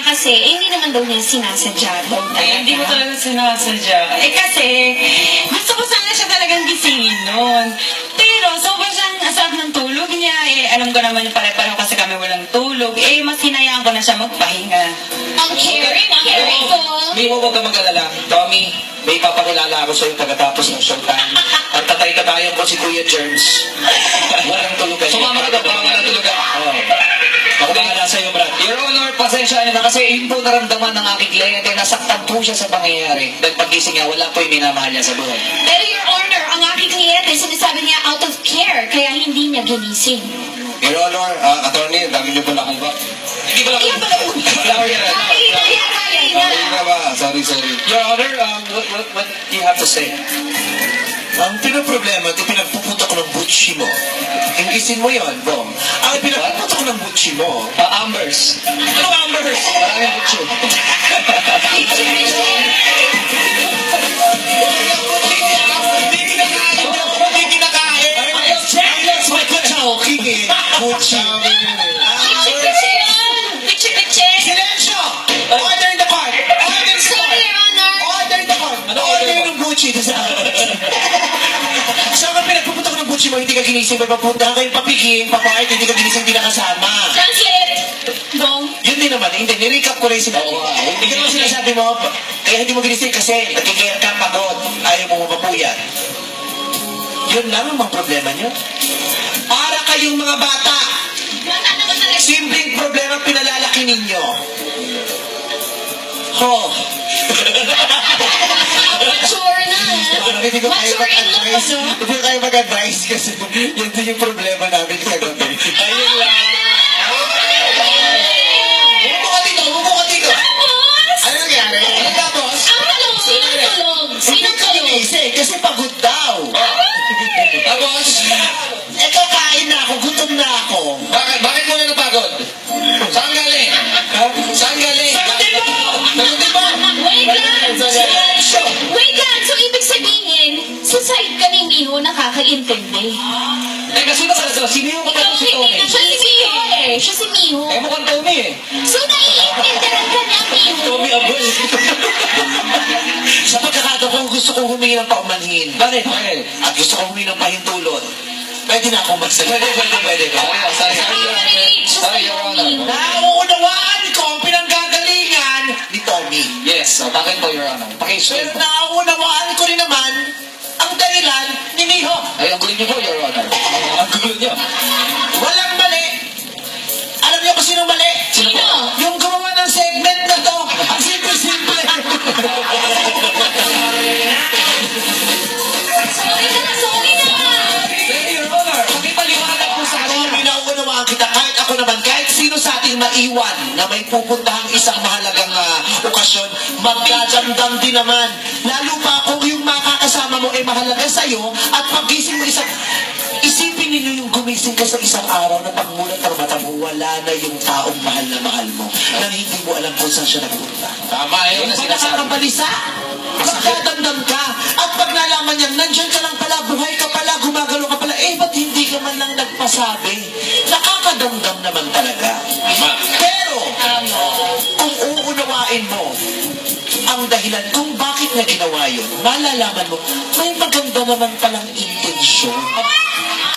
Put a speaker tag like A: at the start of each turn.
A: niya kasi, hindi naman daw niya sinasadya daw talaga.
B: Hindi ko talaga sinasadya.
A: Kasi, gusto ko sana siya talagang gisingin noon. Pero, sobrang siyang asap ng tulog niya. Alam ko naman pare-pareho kasi kami walang tulog. Mas hinayaan ko na siya magpahinga. Ang caring ko.
C: Mimo, huwag ka mag-alala. Tommy, may ipapakilala ako sa'yo pagkatapos ng showtime. Ang tatay-katayan ko si Kuya Germs. Walang tulugan.
D: Sumama ka daw para walang tulugan.
C: Oo. Ako bahala sa'yo, Brad.
D: Your Honor, pasensya na kasi yun po naramdaman ng aking kliyente. Nasaktan po siya sa pangyayari. Dahil pagising niya, wala po yung minamahal niya sa buhay.
A: Pero Your Honor, ang aking kliyente, sinasabi niya out of care, kaya hindi niya ginising.
C: Your Honor, attorney, dami niyo pala akong ba?
D: Hindi pala
A: Ayan pala po.
C: Sorry na ba? Sorry.
D: Your Honor, what do you have to say?
C: Ang pinaproblema, ito pinagpupunta ko ng butchi mo. Ingisin mo yon, Bong. Ang pinagpupunta ko ng butchi mo.
D: Ambers.
C: Ano Ambers?
D: Maraming butcho.
C: Hindi kinakain. Ayos, may kuchowking eh. Butchi. Silensyo! Order in the cart! Order in the
A: Sorry,
C: cart!
A: Your Honor.
C: Order in the cart! Order ng Gucci. Saan ka pinagpupunta ko ng Gucci mo, hindi ka ginising, may papunta kayong papiging, papakit, hindi ka ginising, hindi na kasama.
A: Translate. Dong.
C: Yun din naman, hindi, nirecap ko rin sinabi. Hindi ka naman sinasabi mo, kaya hindi mo ginising kasi nagkikaya ka, pagod, ayaw mo mapapuyat. Yun lang ang mga problema nyo. Para kayong mga bata,
A: Bata naman talaga.
C: simpleng problema pinalalaki ninyo. Oh.
A: Mature na.
C: Hindi ko kayo
A: Mature in love,
C: mag-advise.
A: no?
C: Hindi ko kayo mag-advise kasi yun din yung problema namin kagabi. Ayun lang. Bumuko ka dito. Ano nangyari? Ano tapos?
A: Ang tulog. Sinong tulog? Sinong tulog?
C: Ginising kasi pagod daw.
D: Tapos,
C: Eto, kain na ako, gutom na ako.
D: bakit mo na napagod? Saan galing? Saan galing?
C: Sagutin mo!
D: Sagutin mo!
A: Wait lang.
C: Silensyo!
A: Wait lang. So, ibig sabihin, sa side ka ni Miho nakakaintindi.
D: Teka, sino ka na to? Sino yung kapatid si Tommy?
A: Siya si Miho eh. Siya si Miho.
D: Mukhang Tommy eh.
A: So, naiintindihan ka niya, Miho.
C: Tommy Aboy. Sa pagkakataon ko, gusto kong humingi ng paumanhin.
D: Bakit?
C: At gusto kong humingi ng pahintulot. Pwede na akong magsalita. Pwede.
D: Sorry, Your Honor.
C: Nauunawaan ko ang pinanggagalingan ni Tommy.
D: Yes, bakit po, Your Honor?
C: Pero
D: Pakisulit po.
C: nauunawaan ko rin naman ang dahilan ni Miho.
D: Ay, ang gulo niyo po, Your Honor. Ang gulo niyo.
C: Walang mali. Alam niyo kung sino mali?
A: Sino?
C: Yung gumawa ng segment na to. Ang simple-simple.
A: Sorry na.
D: Hey, Your Honor, pakipaliwanag po sa kanila.
C: Tommy, nauunawaan kita. Kahit ako naman, kahit sino sa ating maiwan na may pupuntahang isang mahalagang okasyon, magdadamdam din naman. Lalo pa kung yung makakasama mo ay mahalaga sa'yo at pagising mo isipin ninyo yung gumising ka sa isang araw na pagmulat ng mata mo, wala na yung taong mahal na mahal mo na hindi mo alam kung saan siya nagpunta.
D: Tama, yun
C: Yung
D: ang
C: pag
D: sinasabi.
C: nakakabalisa, magdadamdam ka. At pag nalaman niya, nandyan ka lang pala, buhay ka pala, gumagalo ka pala, ba't hindi ka man lang nagpasabi? Nakakadamdam naman talaga. Pero, kung uunawain mo ang dahilan kung bakit na ginawa yun, malalaman mo, may maganda naman palang intensyon.